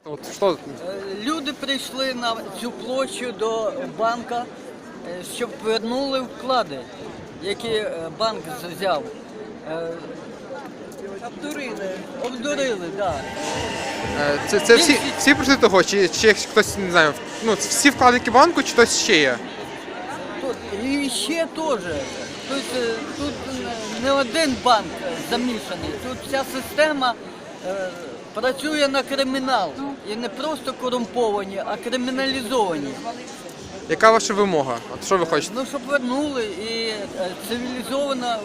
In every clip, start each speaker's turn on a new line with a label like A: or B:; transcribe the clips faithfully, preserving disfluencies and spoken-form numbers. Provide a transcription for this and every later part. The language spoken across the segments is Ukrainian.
A: От що?
B: Люди прийшли на цю площу до банка, е, щоб повернули вклади, які е, банк взяв. Е, Обдурили. Обдурили, так.
A: Е, Це, це всі, всі прийшли того, чи, чи хтось, не знаю, ну, всі вкладники банку, чи хтось ще є?
B: Тут і ще теж. Тут, е, тут не один банк замішаний, тут вся система е, працює на кримінал. І не просто корумповані, а криміналізовані.
A: Яка ваша вимога? От що ви хочете?
B: Ну, щоб вернули і е, цивілізовано е,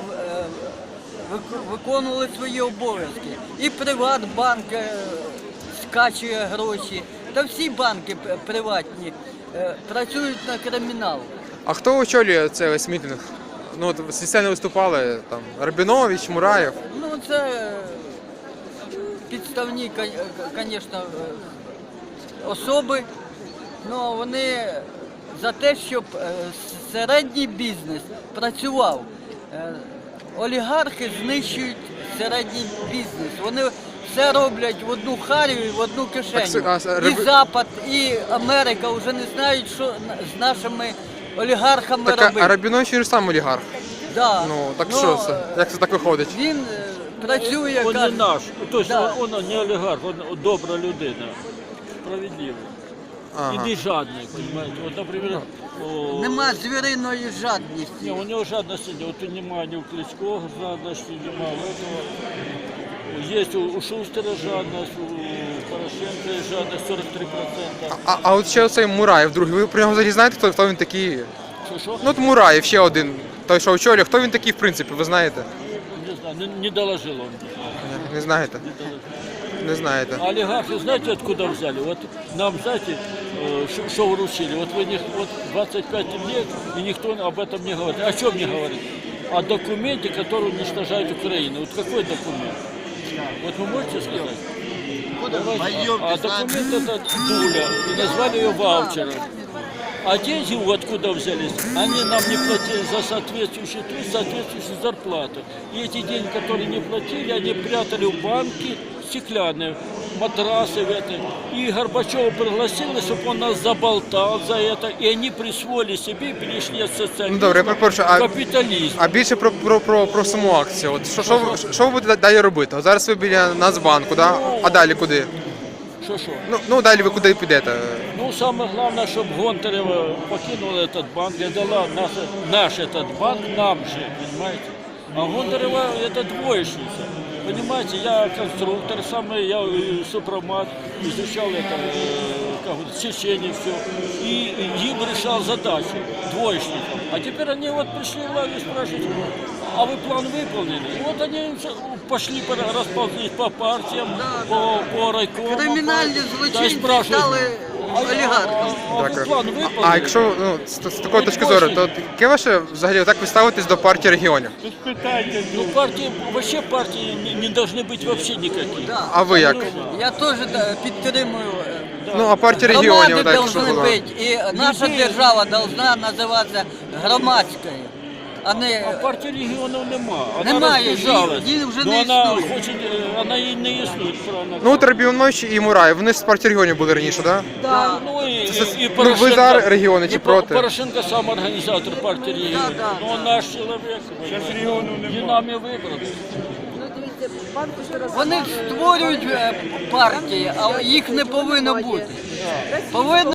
B: вик- виконували свої обов'язки. І Приватбанк е, скачує гроші, та всі банки п- приватні е, працюють на кримінал.
A: А хто очолює цей весь мітинг? Ну, от зі сцени виступали там Рабінович, Мураєв.
B: Ну, це е, підставні, звісно, особи, але вони за те, щоб е, середній бізнес працював. Е, Олігархи знищують середній бізнес. Вони все роблять в одну харю, в одну кишеню.
A: Так, а,
B: І
A: Раби-
B: Запад, і Америка вже не знають, що на- з нашими олігархами
A: Так, а-
B: робити.
A: а Рабінович він ж сам олігарх.
B: Да.
A: Ну, так
B: Но,
A: що це? Як це так виходить?
B: Він е, працює,
C: Он не
B: каже,
C: наш, то есть
B: Да.
C: он, он не олигарх, он добра людина, справедливий.
A: Ага.
C: І не жадний, понимаете. Вот, например, о,
B: нема звіриної жадності.
C: не, у него жадности нет, вот нема ни у Кличко жадности, нема у этого. Есть у, у Шустера жадность, у Порошенка есть жадность сорок три процента.
A: А, а от ще оцей Мураєв, другий, ви про нього взагалі знаєте, хто, хто він такий?
C: Что, что?
A: Ну от Мураєв, ще один, той, що очолює, хто він такий, в принципі, ви знаєте?
C: Не знаю, не, не доложил он.
A: Не, не знаєте?
C: Не доложил.
A: Не знаєте.
C: А олигархи знаете, откуда взяли? Вот нам, знаете, э, ш- что вручили? Вот вы не, вот двадцать пять лет, и никто об этом не говорит. О чем не говорит? О документе, который уничтожает Украину. Вот какой документ? Вот вы можете сказать? Давайте. А, а документ этот Дуля, и назвали ее ваучером. А деньги откуда взялись? Они нам не платили за соответствующий труд, соответствующую зарплату. И эти деньги, которые не платили, они прятали в банки стеклянные, матрасы в это. И Горбачева пригласили, чтобы он нас заболтал за это. И они присвоили себе и перешли от социализма
A: Ну, добре, я перепрошую, а-
C: к капитализму.
A: А більше про, про, про, про саму акцію. От що, що, ви- що ви будете далі робити? От зараз ви біля Нацбанку, да? А далі куди?
C: Что-что?
A: Ну, ну далі ви куди підете?
C: Ну, самое главное, чтобы Гонтарева покинула этот банк и дала наш, наш этот банк нам же, понимаете? А Гонтарева это двоечница. Понимаете, я конструктор, самый, я э, супромат, изучал это, э, как вот, в Чечне все. И им решал задачу, двоечникам. А теперь они вот пришли в лагерь спрашивать, а вы план выполнили? И вот они пошли, пора- расползлись по партиям, по, по райкомам.
B: Кримінальні
C: Да, и
B: злочинці
C: спрашивают,
B: стали
C: а,
B: олігархами.
C: а, а ви
A: Дякую.
C: план
A: А,
C: виповнили?
A: а якщо ну, з, з такої точки зору, то яке ваше взагалі так ви ставитесь до партії регіонів?
C: Ну, партии, вообще партии не, не должны быть вообще никакие.
B: Да.
A: А ви як?
B: Я теж да, підтримую. е,
A: Ну, а партія регіонів,
B: Громади
A: так, якщо
B: повинні
A: була.
B: бути, і наша держава повинна називатися громадською, а
C: А
B: не
C: партии регионов нема. Она
B: Немає,
C: разбежалась.
B: її- її вже
C: Но
B: не
C: она
B: існує.
C: хочет, э, она и не існує, правильно.
A: Ну, от Рабінович і Мураєв, вони ж з партії регіонів були раніше, так? Да?
B: Да.
C: Ну, и,
A: Це-
C: и, и
A: ну, ви за регіони чи
C: и
A: проти?
C: Порошенко сам организатор партии регионов.
B: да,
C: Но он наш человек. И нами выбран.
B: Вони створюють е, партії, а їх не повинно бути. Повинно